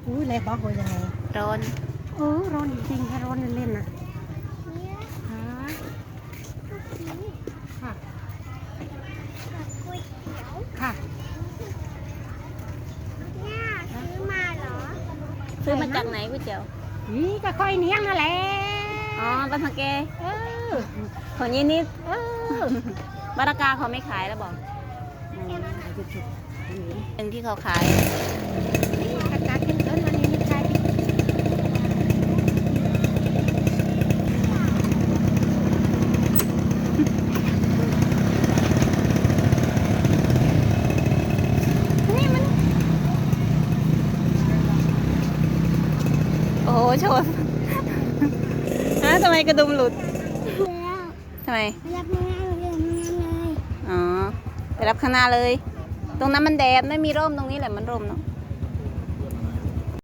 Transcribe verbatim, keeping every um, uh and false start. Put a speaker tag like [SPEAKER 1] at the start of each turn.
[SPEAKER 1] อุ้ยเลยบอกว่ายังไง
[SPEAKER 2] ร้อน
[SPEAKER 1] เออร้อนจริงๆถ้าร้อนเล่นๆนะฮะค่ะค่ะ
[SPEAKER 3] ซื้อมาเหรอ
[SPEAKER 2] ซื้อมาจากไหนก๋วยเตี๋ยว
[SPEAKER 1] นี่ก็ค่อยเนี้ยงนั่นแหละ
[SPEAKER 2] อ๋อบ้านพักแก
[SPEAKER 1] เออ
[SPEAKER 2] ของยี่นิด
[SPEAKER 1] เออ
[SPEAKER 2] บารากาเขาไม่ขายแล้วบอกเป็นที่เขาขาย
[SPEAKER 1] อากาศเย็นเกินวันนี้นี่ใช่
[SPEAKER 2] นี่มันโอ้โหชนฮะทำไมกระดุมหลุด
[SPEAKER 3] แล้ว
[SPEAKER 2] ทำไม
[SPEAKER 3] รับไม่ได้เลยไม่ได้เลย
[SPEAKER 2] อ๋อ ไปรับข้างหน้าเลย ตรงนั้นมันแดดไม่มีร่มตรงนี้แหละมันร่มเนาะ